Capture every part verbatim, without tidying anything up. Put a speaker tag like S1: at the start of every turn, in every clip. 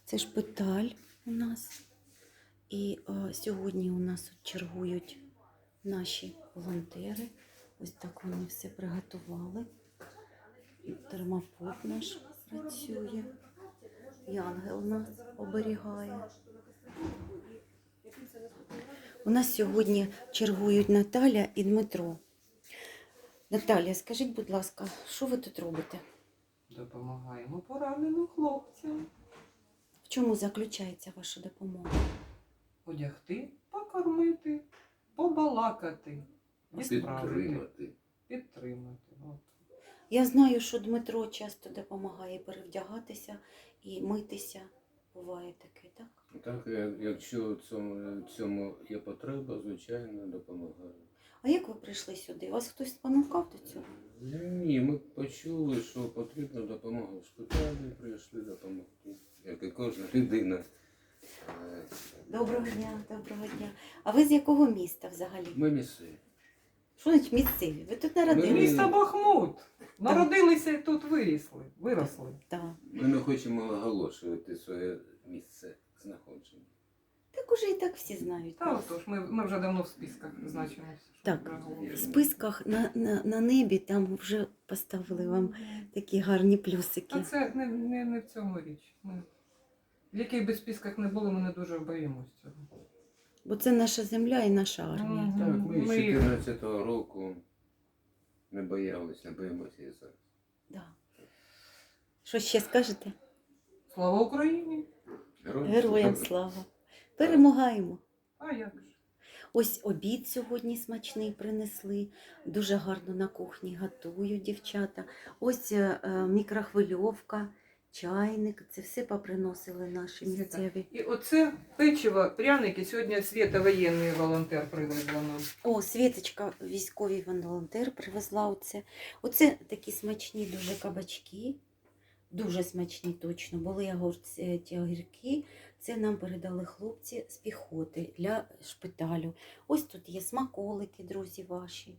S1: Це шпиталь у нас. І о, сьогодні у нас от чергують наші волонтери. Ось так вони все приготували. Термопут наш працює. Янгел нас оберігає. У нас сьогодні чергують Наталя і Дмитро. Наталя, скажіть, будь ласка, що ви тут робите?
S2: Допомагаємо пораненим хлопцям.
S1: В чому заключається ваша допомога?
S2: Одягти, покормити, побалакати, відправити,
S3: Підтримати.
S2: підтримати. От.
S1: Я знаю, що Дмитро часто допомагає перевдягатися і митися. Буває таке, так?
S3: Так, я- якщо в цьому, в цьому є потреба, звичайно, допомагаю.
S1: А як ви прийшли сюди? Вас хтось спонукав до цього?
S3: Ні, ми почули, що потрібна допомога в шпиталі, прийшли допомогти, як і кожна людина. Е,
S1: Доброго дня, доброго дня. А ви з якого міста взагалі?
S3: Ми місцеві.
S1: Що значить місцеві? Ви тут народилися?
S3: Ми-
S2: Місто Бахмут. Народилися і тут вирісли, виросли.
S1: Так.
S3: Ми не хочемо оголошувати своє місце знаходження.
S1: Так уже і так всі знають.
S2: Та отож, ми, ми вже давно в списках значимося.
S1: Так. В списках на, на, на небі там вже поставили вам такі гарні плюсики.
S2: А це не, не, не в цьому річ. Ми, в яких би списках не було, ми не дуже боїмося цього.
S1: Бо це наша земля і наша армія.
S2: Мгм.
S3: Так, ми з
S2: Ми-
S3: чотирнадцятого року не боялися, не боїмося і зараз.
S1: Да. Що ще скажете?
S2: Слава Україні!
S1: Героям слава. Перемагаємо.
S2: А як же?
S1: Ось обід сьогодні смачний принесли. Дуже гарно на кухні готують дівчата. Ось е, е, мікрохвильовка, чайник. Це все поприносили наші місцеві.
S2: І оце печиво, пряники. Сьогодні Свята воєнний волонтер привезла нам.
S1: О, Світочка, військовий волонтер, привезла оце. Оце такі смачні дуже кабачки. Дуже смачні точно. Були огурці, ті огірки. Це нам передали хлопці з піхоти для шпиталю. Ось тут є смаколики, друзі ваші,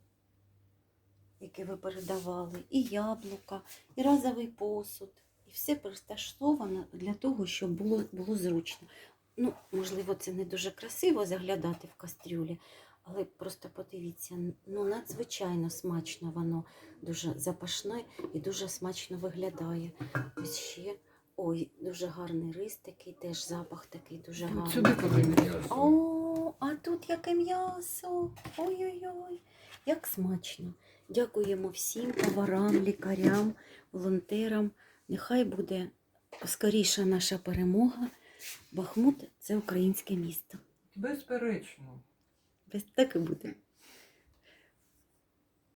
S1: які ви передавали. І яблука, і разовий посуд. І все пристосовано для того, щоб було, було зручно. Ну, можливо, це не дуже красиво заглядати в кастрюлі, але просто подивіться, ну надзвичайно смачно воно, дуже запашне і дуже смачно виглядає. Ось ще, ой, дуже гарний рис такий, теж запах такий дуже гарний.
S2: Сюди подивіться.
S1: О, а тут яке м'ясо. Ой-ой-ой, як смачно. Дякуємо всім поварам, лікарям, волонтерам. Нехай буде скоріша наша перемога. Бахмут – це українське місто.
S2: Безперечно.
S1: Без так і буде.